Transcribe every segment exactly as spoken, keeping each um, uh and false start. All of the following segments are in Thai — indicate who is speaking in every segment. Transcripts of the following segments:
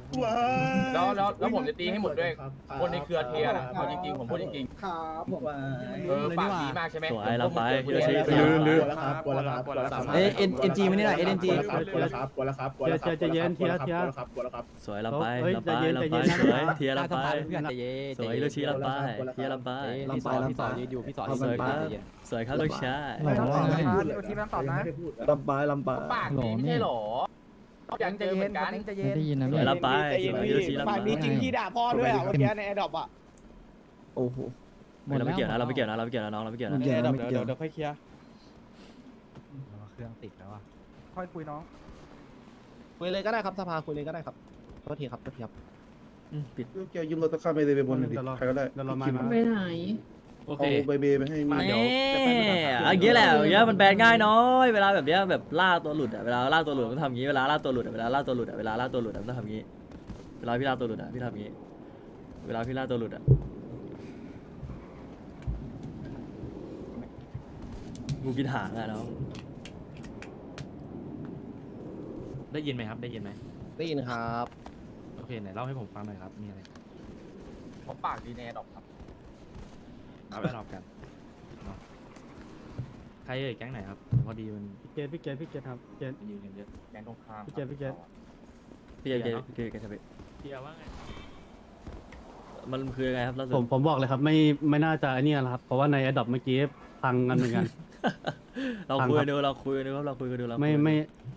Speaker 1: แล้วแล้วแล้วผมจะตีให้หมดด้วยคนในเครือเทียนะเอาจริงๆผมพูดจริง
Speaker 2: ครับผม
Speaker 1: ๆเออปากดีมากใช่ไหม
Speaker 3: สวยเราไป
Speaker 1: ผม
Speaker 3: ฮิ
Speaker 1: พู
Speaker 3: โร
Speaker 1: ด
Speaker 3: ชิ
Speaker 1: เทีย
Speaker 2: กลัวแล้วครับกลัวแล้วครับกลัวแล้วครับ
Speaker 4: เอ้ยเอ็นเอ็นจีไม่ได้หน่อยเอ็นจี
Speaker 2: กลัวแล้วครับกลัวแล้วครับกลัวแล้วครับกลัวแล้วครับกลัวแล้วครับกลัวแล้วครับ
Speaker 3: สวยเราไป
Speaker 5: เฮ้ย
Speaker 3: เราไป
Speaker 5: ใจเย็น
Speaker 3: เรา
Speaker 5: ใจ
Speaker 3: ไป
Speaker 5: เย็น
Speaker 3: สวยเทียเราไป
Speaker 4: เพื่อนใจเย็น
Speaker 3: สวยฮิโรชิเราไปเทียเราไป
Speaker 4: พี่สอนพี่สอนยืนอยู่พี่สอน
Speaker 3: สวยครับสวยครับลูกชาย
Speaker 2: ไม่ต้องตอบนะทีไม่ต้องตอบนะลำปายลำปาย
Speaker 1: ปากดีไม่ใช่หรออยากเจอเหมือนกัน
Speaker 4: ใจเย็น
Speaker 5: ได้ยินนะ
Speaker 3: สวยเราไปสวยฮิโรชิเราไป
Speaker 2: ปากดีจริงที่ด่าพ่อด้วยอ่ะเมื่อกี้ในแอร์ดรอปอ่ะโอ้โห
Speaker 3: เราไม่เกี่ยวนะเราไม่เกี่ยวนะเราไม่เกี่ยวนะน้องเราไม่เกี่ยวนะ
Speaker 2: เดี๋ยว
Speaker 5: เดี๋ยวเดี๋ยวเดี๋ยวค่อยเคลียร์
Speaker 4: เครื่องติดแล้วอ่ะ
Speaker 2: ค่อยคุยน้องคุยเลยก็ได้ครับสภาคุยเลยก็ได้ครับโทษทีครับโทษทีครับ
Speaker 3: อืมปิด
Speaker 6: เกี่ยวยืมรถตะข้ามไปเลยไปบนดิใครก็ได้
Speaker 5: เดี๋ยวเรามา
Speaker 6: คิด
Speaker 7: ไปไหน
Speaker 3: โอเค
Speaker 6: เอาใบเบไปให้
Speaker 3: มา
Speaker 6: มี
Speaker 3: เดี๋ยวอย่างเงี้ยแหละอย่างเงี้ยมันแบนง่ายน้อยเวลาแบบเนี้ยแบบล่าตัวหลุดอะเวลาล่าตัวหลุดมันทำอย่างงี้เวลาล่าตัวหลุดอะเวลาล่าตัวหลุดอะเวลาล่าตัวหลุดอะมันต้องทำอย่างงี้เวลาพี่ล่าตัวหลุดอะพี่ทำอย่างงี้เวลาพี่ล่าตัวหลุดอะกูกินหางอะน้อง
Speaker 8: ได้ยินไหมครับได้ยินไหม
Speaker 2: ได้ยินครับ
Speaker 8: โอเคไหนเล่าให้ผมฟังหน่อยครับมีอะไร
Speaker 1: ผมปากดีแน่ดอกครับ
Speaker 8: เอาไปรอบกันเนาะใครเอ่ยแก๊งไหนครับพอดีมัน
Speaker 5: พี่เกตพี่เกตพี่เกตครับเกต
Speaker 8: มันยืนกันเยอะ
Speaker 1: แกงตรงข้าม
Speaker 5: พี่เจพี่เจ
Speaker 3: พี่เกพี่เกพี่เกจะไป
Speaker 8: เทียว่าไง
Speaker 3: มันคือยังไงครับล่าสุด
Speaker 5: ผมผมบอกเลยครับไม่ไม่น่าจะไอ้นี่นะครับเพราะว่าใน a อ o p เมื่อกี้พังกันเหมือนกัน
Speaker 3: เราคุยกันดูเราคุยกันดูครับเราคุยกันดูเราคุย
Speaker 5: ไม่
Speaker 3: กันดู
Speaker 5: ไม่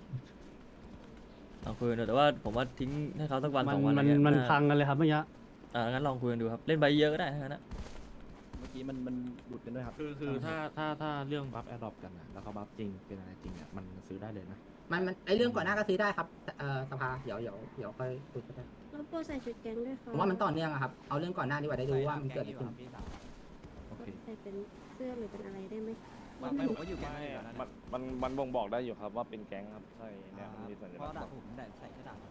Speaker 3: เราคุยกันดูแต่ว่าผมว่าทิ้งให้เขาสักวัน
Speaker 5: มั
Speaker 3: ส
Speaker 5: น
Speaker 3: องวัน
Speaker 5: มัน
Speaker 3: อะไรเงี้ย
Speaker 5: มัน
Speaker 3: น่า
Speaker 5: พังกันเลยครับเมื่อกี้
Speaker 3: อ่างั้นลองคุยกันดูครับเล่นใบเยอะก็ได้ทั้งนั้นนะ
Speaker 2: เมื่อกี้มันมันหลุดกันด้วยครับ
Speaker 8: คือคือถ้าถ้าถ้าเรื่องบัฟแอดดอปกันนะแล้วเขาบัฟจริงเป็นอะไรจริงอ่ะมันซื้อได้เลยนะ
Speaker 9: มันมันไอเรื่องก่อนหน้าก็ซื้อได้ครับเอ่อสภาเดี๋ยวเดี๋ยวเดี๋ยวค่อยคุยกันได้
Speaker 7: แล้วโปรใส่ชุดแก๊งด้วยค่ะ
Speaker 9: ผมว่ามันต่อเนื่องอะครับเอาเรื่องก่อนหน้าดีกว่าได้รู้ว่ามันเกิดอะไรขึ้น
Speaker 8: โอเค
Speaker 7: ใส่เป็นเสื้อหรือเป็นอะไรได้ไหม
Speaker 4: ไม่ผมก็อยู่แก๊ง
Speaker 10: มันมันมันบ่งบอกได้อยู่ครับว่าเป็นแก๊งครับใช่เนี่ยมันมีสัญ
Speaker 4: เพ
Speaker 10: ลั
Speaker 4: ราะ
Speaker 10: กษณ์
Speaker 4: ด่าผมด่าใส่กระดาษ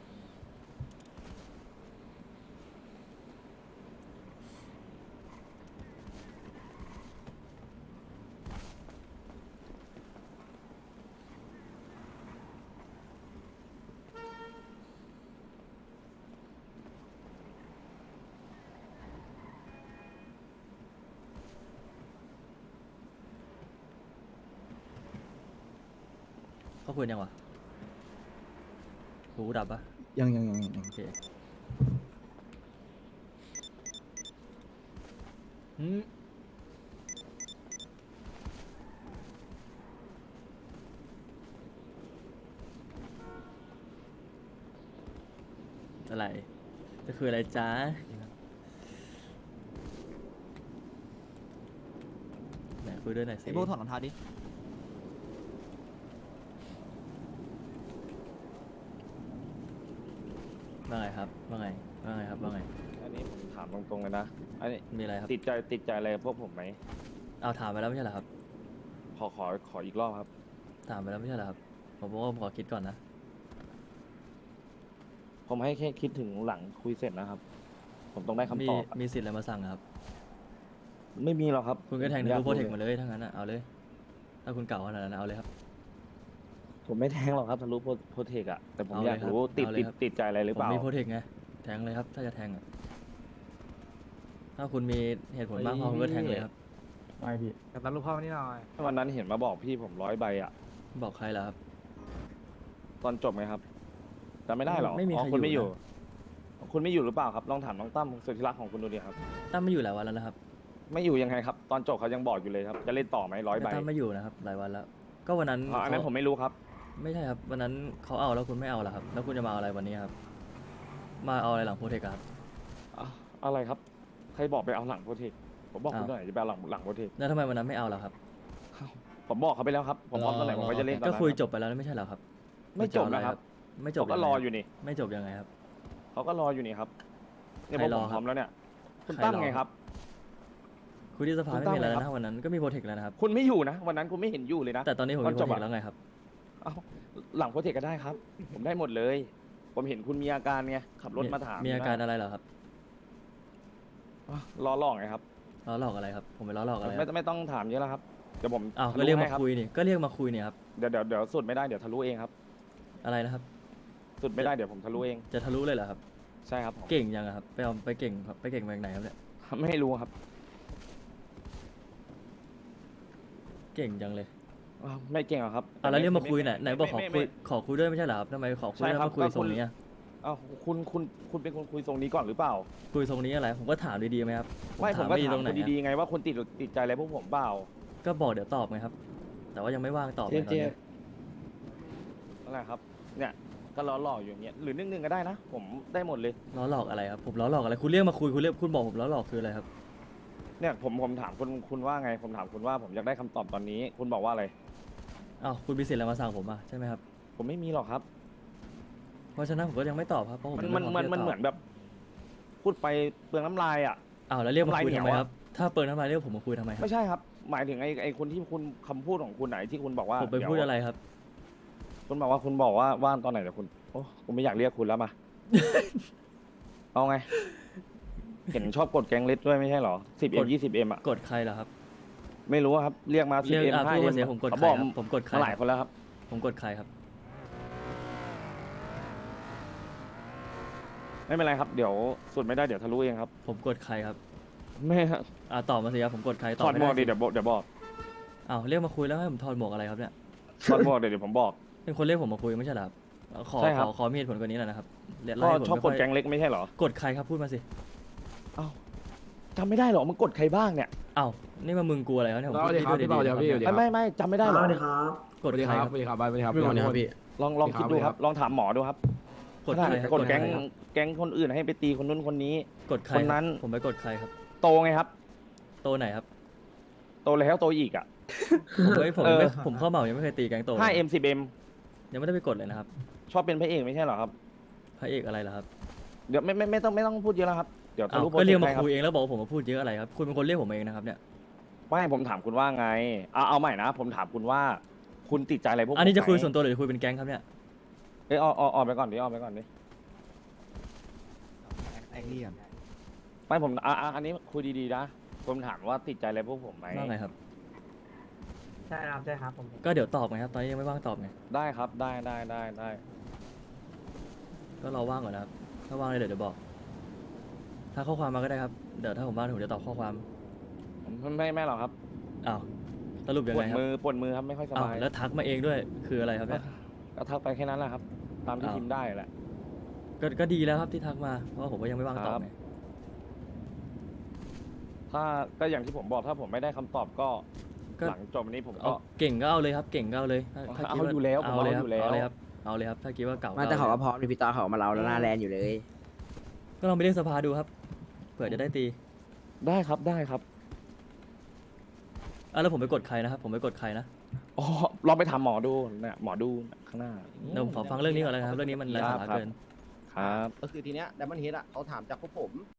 Speaker 3: เขาคุยยังวะหูดับปะ
Speaker 2: ยังยังยังยัง
Speaker 3: โอเคอืมอะไรจะคืออะไรจ๊ะไหนคุยด้วยหน่อยสิ
Speaker 4: ไอ้โบถอดรองเท้าดิ
Speaker 3: ว่าไงครับว่าไงว่าไงครับว่าไง
Speaker 10: อันนี้ผมถามตรงๆเลยนะอันนี้
Speaker 3: มีอะไรครับ
Speaker 10: ติดใจติดใจอะไรกับพวกผมไหม
Speaker 3: เอาถามไปแล้วไม่ใช่เหรอครับ
Speaker 10: ขอขอขออีกรอบครับ
Speaker 3: ถามไปแล้วไม่ใช่เหรอครับผมบอกว่าผมขอคิดก่อนนะ
Speaker 10: ผมให้แค่คิดถึงหลังคุยเสร็จนะครับ ผมต้องได้คำ
Speaker 3: มี
Speaker 10: ตอบอะ
Speaker 3: มีสิทธิ์อะไรมาสั่งอะครับ
Speaker 10: ไม่มีหรอกครับ
Speaker 3: คุณก็แทง
Speaker 10: ผม
Speaker 3: ทะ
Speaker 10: อยา
Speaker 3: ลุโปรเทค
Speaker 10: รู้
Speaker 3: มาเลยทั้งนั้นอะเอาเลย ถ้าคุณเก่าขนาดนั้นเอาเลยครับ
Speaker 10: ผมไม่แทงหรอกครับทะลุโปรเทคอะแต่ผม
Speaker 3: เอาเลย
Speaker 10: อยากรู้
Speaker 3: ครับ
Speaker 10: ติด
Speaker 3: เอาเลย
Speaker 10: ติด
Speaker 3: ครับ
Speaker 10: ติดใจอะไรหรือ
Speaker 3: ผ
Speaker 10: เป
Speaker 3: ม
Speaker 10: ล่า
Speaker 3: มีโปรเทคไงแทงเลยครับ ถ้าจะแทงอะถ้าคุณมีเหตุผลมากพอคุณก็แทงเลยครับ
Speaker 5: ไม่พี่
Speaker 2: กับตันลูกพ่อนี่หน่อย
Speaker 10: วันนั้นเห็นมาบอกพี่ผมร้อยใบอะ
Speaker 3: บอกใครล่ะครับ
Speaker 10: ตอนจบไหมครับจำไม่ได้หรอ
Speaker 3: ไม่มี
Speaker 10: อ๋อ
Speaker 3: ใคร
Speaker 10: คุณไม่
Speaker 3: อ
Speaker 10: อยู่ ยู่ คุณไม่อยู่หรือเปล่าครับลองถามน้องตั้มสุดที่รักของคุณดูดิครับ
Speaker 3: ตั้มไม่อยู่หลายวันแล้วนะครับ
Speaker 10: ไม่อยู่ยังไงครับ ตอนจบเขายังบอกอยู่เลยครับ จะเล่นต่อไหมร้อยใบ
Speaker 3: ตั้มไม่อยู่นะครับหลายวันแล้ว ก็วันนั้น
Speaker 10: อ๋ออันนั้น
Speaker 3: เขา
Speaker 10: ผมไม่รู้ครับ
Speaker 3: ไม่ใช่ครับวันนั้นเขาเอาแล้วคุณไม่เอาล่ะครับ แล้วคุณจะมาเอาอะไรวันนี้ครับ มาเอาอะไรหลังโปรเทคอะครับ
Speaker 10: อ่ะอะไรครับ ใครบอกไปเอาหลังโปรเทคผมบอกคุณ
Speaker 3: อ้าว
Speaker 10: หน่อยจะไปเอาหลังหลังโปรเทค
Speaker 3: แล้วทำไมวันนั้นไม่เอาล่ะครับ
Speaker 10: ผมบอกเขาไปแล้วครับ ผมพร้อมตอนไหนผมก็จะเล่นตอน
Speaker 3: ก็
Speaker 10: นั้น
Speaker 3: คุย
Speaker 10: ครับ
Speaker 3: จบไปแล้วไม่ใช่เหรอครับ
Speaker 10: ไม่จบนะครับ
Speaker 3: ไม่จบ
Speaker 10: เขาก็
Speaker 3: งไง
Speaker 10: รอ
Speaker 3: คบ
Speaker 10: อยู่นี่
Speaker 3: ไม่จบยังไงครับ
Speaker 10: เขาก็รออยู่นี่ครับเนี่ย
Speaker 3: ใค
Speaker 10: ผ
Speaker 3: ร
Speaker 10: ม
Speaker 3: รอ
Speaker 10: ผม
Speaker 3: ครับ
Speaker 10: พร้อมแล้วเนี่ย คุณ
Speaker 3: ใคร
Speaker 10: ตั้ม
Speaker 3: รอ
Speaker 10: ไงครับ
Speaker 3: คุยที่สภา
Speaker 10: คุณ
Speaker 3: ไม่
Speaker 10: ตั้ม
Speaker 3: มีอะไร
Speaker 10: ไง
Speaker 3: แล้ว
Speaker 10: ครั
Speaker 3: นะ
Speaker 10: บ
Speaker 3: วันนั้นก็มีโปรเทคแล้วนะครับ
Speaker 10: คุณไม่อยู่นะ วันนั้นคุณไม่เห็นอยู่เลยนะ
Speaker 3: แต่ตอนนี้ผม
Speaker 10: ตอ
Speaker 3: มี
Speaker 10: น
Speaker 3: โป
Speaker 10: จ
Speaker 3: ร
Speaker 10: บ
Speaker 3: เท
Speaker 10: อะ
Speaker 3: คแล้วไงครับ
Speaker 10: เอ้าหลังโปรเทคก็ได้ครับ ผมได้หมดเลย ผมเห็นคุณมีอาการไงขับรถมาถาม
Speaker 3: มีอาการอะไรเหรอครับ
Speaker 10: อ่ะรอหลอกไงครับ
Speaker 3: ล้อหลอกอะไรครับ ผมไปล้อหลอกอะไรค
Speaker 10: ไม่
Speaker 3: รับ
Speaker 10: ไม่ต้องถามเยอะแล้วครับเดี๋ยวผม
Speaker 3: อ้าว
Speaker 10: ทะ
Speaker 3: ก็
Speaker 10: ลุ
Speaker 3: เรียก
Speaker 10: ให้
Speaker 3: มา
Speaker 10: ครับ
Speaker 3: คุยนี่ก็เรียกมาคุยเนี่ยครับ
Speaker 10: เดี๋ยวเดี๋ยวเดี๋ยวสุดไม่ได้เดี๋ยวทะลุเองครับ
Speaker 3: อะไรนะครับ
Speaker 10: สุดไม่ได้เดี๋ยวผมทะลุเอง
Speaker 3: จะทะลุเลยเหรอครับ
Speaker 10: ใช่ครับผม
Speaker 3: เก่งยังอะครับไปเอาไปเก่งไปเก่งมาจากไหนครับเนี่ย
Speaker 10: ไม่รู้ครับ
Speaker 3: เก่งจังเลย
Speaker 10: อ้าวไม่เก่งหรอกครับ
Speaker 3: อ่ะแล้วเรียกมาคุยไหน
Speaker 10: ไ
Speaker 3: ไหนบอกขอ
Speaker 10: ไม่
Speaker 3: คุย
Speaker 10: ไม่
Speaker 3: ขอคุยด้วยไม่ใช่เหรอครับทำไมขอคุย
Speaker 10: ใช่
Speaker 3: แล้ว
Speaker 10: ครับ
Speaker 3: มาคุย
Speaker 10: ก็
Speaker 3: ทรง
Speaker 10: คุณ
Speaker 3: นี้อะ
Speaker 10: อ้าวคุณคุณคุณเป็นคนคุยทรงนี้ก่อนหรือเปล่า
Speaker 3: คุยทรงนี้อะไรผมก็ถามดีๆไหมครับ
Speaker 10: ไม่ผม
Speaker 3: ถาม
Speaker 10: ก็
Speaker 3: ดี
Speaker 10: ถาม
Speaker 3: ตรงไหน
Speaker 10: คุณ
Speaker 3: อะ
Speaker 10: ดีๆไงว่าคุณติดติดใจอะไรพวกผมเปล่า
Speaker 3: ก็บอกเดี๋ยวตอบไงครับ แต่ว่ายังไม่ว่างตอบไงตอนนี้
Speaker 10: นั่นแหละครับ เนี่ยก็ล้อหล่ออยู่อย่างเงี้ยหรือนึ่งหนึ่งก็ได้นะ ผมได้หมดเลย
Speaker 3: ล้อหลอกอะไรครับผมล้อหลอกอะไรคุณเรียกมาคุยคุณเรียกคุณบอกผมล้อหลอกคืออะไรครับ
Speaker 10: เนี่ยผมผมถามคุณคุณว่าไง ผมถามคุณว่าผมอยากได้คำตอบตอนนี้ คุณบอกว่าอะไร
Speaker 3: อ้าวคุณมีสิทธิ์อะไรมาสั่งผมอ่ะใช่ไหมครับ
Speaker 10: ผมไม่มีหรอกครับ
Speaker 3: เพราะฉะนั้นผมก็ยังไม่ตอบครับเพราะผม
Speaker 10: มัน
Speaker 3: ยัง
Speaker 10: มัน
Speaker 3: ไพร้
Speaker 10: มัน
Speaker 3: ที่จะ
Speaker 10: มัน
Speaker 3: ตบ
Speaker 10: เหมือนแบบ พูดไปเปลืองน้ำลายอ่ะ
Speaker 3: อ้าวแล้วเรียกมาคุย
Speaker 10: ทำลายเหนี
Speaker 3: ทำ
Speaker 10: ยว
Speaker 3: ไม
Speaker 10: อะ
Speaker 3: ครับถ้าเปิดน้ำลายเรียกผมมาคุยทำไมครับ
Speaker 10: ไม่ใช่ครับ หมายถึงไอ้ไอ้คนที่คุณคำพูดของคุณไหนที่คุณบอกว่า
Speaker 3: ผมไป
Speaker 10: เยว
Speaker 3: พูดอะไรครับ
Speaker 10: คุณบอกว่าคุณบอกว่าว่างตอนไหนแต่คุณโอ้ผมไม่อยากเรียกคุณแล้วมา เอาไง เห็นชอบกดแกงเล็ดด้วยไม่ใช่เหรอสิบเอ็
Speaker 3: ก
Speaker 10: ม
Speaker 3: ด
Speaker 10: ยี่สิบเอ็มอ่ะ
Speaker 3: กดใครเหรอครับ
Speaker 10: ไม่รู้อะครับ เรียกมาสิ
Speaker 3: เรี
Speaker 10: บ
Speaker 3: ยก
Speaker 10: เอ็ม
Speaker 3: อ่ะ
Speaker 10: ห้า
Speaker 3: พูด
Speaker 10: เอ็
Speaker 3: มาเสียผมกด
Speaker 10: เขา
Speaker 3: ใคร
Speaker 10: บอก
Speaker 3: ครับผมกดใคร
Speaker 10: มาหลาย
Speaker 3: ครับ
Speaker 10: คนแล้วครับ
Speaker 3: ผมกดใครครับ
Speaker 10: ไม่เป็นไรครับ เดี๋ยวสุดไม่ได้เดี๋ยวทะลุเองครับ
Speaker 3: ผมกดใครครับ
Speaker 10: ไม่ครับ
Speaker 3: อ่าตอบมาสิครับผมกดใครต
Speaker 10: ถ
Speaker 3: อบ
Speaker 10: อด
Speaker 3: ไม่
Speaker 10: หมวกดิ
Speaker 3: ได้สิ
Speaker 10: เดี๋ยวบอกเดี๋ยวบอก
Speaker 3: อ้าวเรียกมาคุยแล้วให้ผมถอดหมวกอะไรครับเนี่ย
Speaker 10: ถอดหมวกเดี๋ยวเดี๋ยวผมบอก
Speaker 3: เป็นคนเรียกผมมาคุยไม่ใช่เหรอครับขอ
Speaker 10: ใช่ค
Speaker 3: ข
Speaker 10: รับ
Speaker 3: อขอมีเหตุผลกว่านี้หน่อยนะครับเรียก
Speaker 10: ก็
Speaker 3: ไล่ผม
Speaker 10: ชอบ
Speaker 3: ไม่
Speaker 10: ก
Speaker 3: ค่
Speaker 10: ด
Speaker 3: อย
Speaker 10: แกงเล็กไม่ใช่เหรอก
Speaker 3: ดใครครับพูดมาสิ
Speaker 10: จำไม่ได้เหรอมึงกดใครบ้างเนี่ย
Speaker 3: อ้าวนี่มามึงกลัวอะไรครับเนี่ยผมพูด
Speaker 4: สวัสดีครับ
Speaker 3: ดีๆ
Speaker 4: พี่เบาเดี๋ยวพี่
Speaker 3: นะครับ
Speaker 10: ไม่ไม่ไม่จำไม่ได้เหรอ
Speaker 3: กดใครครับ
Speaker 4: สวัสดีครับสวัสดีครับ
Speaker 5: ไม่วันนี้ครับพี่
Speaker 10: ลองลอง
Speaker 4: สวัสดี
Speaker 10: คิดดู
Speaker 4: ครับ
Speaker 10: ครับ ลองถามหมอดูครับ
Speaker 3: กดใครครับ
Speaker 10: กดแก๊ง
Speaker 3: ใครครับ
Speaker 10: แก๊งคนอื่นให้ไปตีคนนู้นคนนี้
Speaker 3: กดใคร
Speaker 10: คน
Speaker 3: รับ
Speaker 10: นั้น
Speaker 3: ผมไปกดใครครับ
Speaker 10: โตไงครับ
Speaker 3: โตไหนครับ
Speaker 10: โตแล้วโตอีกอ่ะ
Speaker 3: ผมไม่ผม
Speaker 10: เออ
Speaker 3: ไม่ผมเข้าเหมายังไม่เคยตีแก๊งโต
Speaker 10: ห้าเอ็มสิบเอ็ม
Speaker 3: ยังไม่ได้ไปกดเลยนะครับ
Speaker 10: ชอบเป็นพระเอกไม่ใช่เหรอครับ
Speaker 3: พระเอกอะไรล่ะครับ
Speaker 10: เดี๋ยวไม่ไม่ไม่ต้องไม่ต้องพูดเยอะแล้วครับ เดี๋ยวทะ
Speaker 3: อ้าว
Speaker 10: ลุโปร
Speaker 3: ก็
Speaker 10: เจ
Speaker 3: เรีย
Speaker 10: ก
Speaker 3: ก
Speaker 10: ต์
Speaker 3: มา
Speaker 10: ได้ครับ
Speaker 3: คุยเองแล้วบอกว่าผมมาพูดเยอะอะไรครับคุณเป็นคนเรียกผมเองนะครับเนี่ย
Speaker 10: ไม่ผมถามคุณว่าไงเอาเอาใหม่นะ ผมถามคุณว่า คุณติดใจอะไรพวกผม
Speaker 3: อันนี้จะคุย
Speaker 10: ไหม
Speaker 3: ส่วนตัวหรือคุยเป็นแก๊งครับเนี่ย
Speaker 10: เอ้ยออกออกออกไปก่อนดิออกไปก่อนดิ
Speaker 4: แอคเรียน
Speaker 10: ไม่ผมอ่ะอ่ะอันนี้คุยดีๆนะ ผมถามว่าติดใจอะไรพวกผมไหม
Speaker 3: ว่าไงครับ
Speaker 9: ใช่ครับใช่ครับผม
Speaker 3: ก็เดี๋ยวตอบไงครับตอนนี้ยังไม่ว่างตอบไง
Speaker 10: ได้ครับ ได้ได้ได้ได้
Speaker 3: ก็รอว่างก่อนนะครับ ถ้าว่างเลยเดี๋ยวเดี๋ยวบอก ถ้าข้อความมาก็ได้ครับ เดี๋ยวถ้าผมว่างผมจะตอบข้อความ
Speaker 10: ไม่ไม่ไม่หรอกครับ
Speaker 3: อ้าวสรุปยัง
Speaker 10: ปว
Speaker 3: ไง
Speaker 10: ด
Speaker 3: ครับ
Speaker 10: มือปวดมือครับไม่ค่อยส
Speaker 3: อ้าว
Speaker 10: บาย
Speaker 3: แล้วทักมาเองด้วยคืออะไรครับเนี่ย
Speaker 10: ก็ทักไปแค่นั้นแหละครับ ตามที่
Speaker 3: อ้าว
Speaker 10: พิมพ์ได้แหละ
Speaker 3: ก็ก็ดีแล้วครับที่ทักมาเพราะว่าผมก็ยังไม่ว่างตอบ
Speaker 10: ครับ
Speaker 3: ไง
Speaker 10: ถ้าก็อย่างที่ผมบอกถ้าผมไม่ได้คำตอบก็
Speaker 3: ก็
Speaker 10: หลังจบวันนี้ผม
Speaker 3: เอา
Speaker 10: ก็
Speaker 3: เก่งก็เอาเลยครับ เก่งก็เอาเลยถ้าถ้าคิด
Speaker 10: เอาอยู่แล้วผม
Speaker 3: เอาเลยค
Speaker 10: เอา
Speaker 3: รับ
Speaker 10: อยู่แล้ว
Speaker 3: เอาเลยครับเอาเลยครับถ้าคิดว่าเก่า
Speaker 4: มาแต่เขา
Speaker 3: อ
Speaker 4: ก็
Speaker 3: เลย
Speaker 4: พร้อมนี่พี่ตาเขามาเราแล้วหน้าแลนอยู่เลย
Speaker 3: ก็ลองไปเรียกสภาดูครับเผื่อจะได้ตี
Speaker 10: ได้ครับได้ครับ
Speaker 3: อ่ะแล้วผมไปกดใครนะครับ ผมไปกดใครนะ
Speaker 10: อ๋อลองไปถามหมอดูเนี่ยหมอดูข้างหน้า
Speaker 3: เดี๋ยวผมขอฟังเรื่องนี้ก่อนเลยนะครับ เรื่องนี้มันไร้สาระ
Speaker 10: ครับ
Speaker 3: เกิน
Speaker 10: ครับ
Speaker 2: ก็คือทีเนี้ยไดมอนด์เฮดอ่ะเขาถามจากพวกผม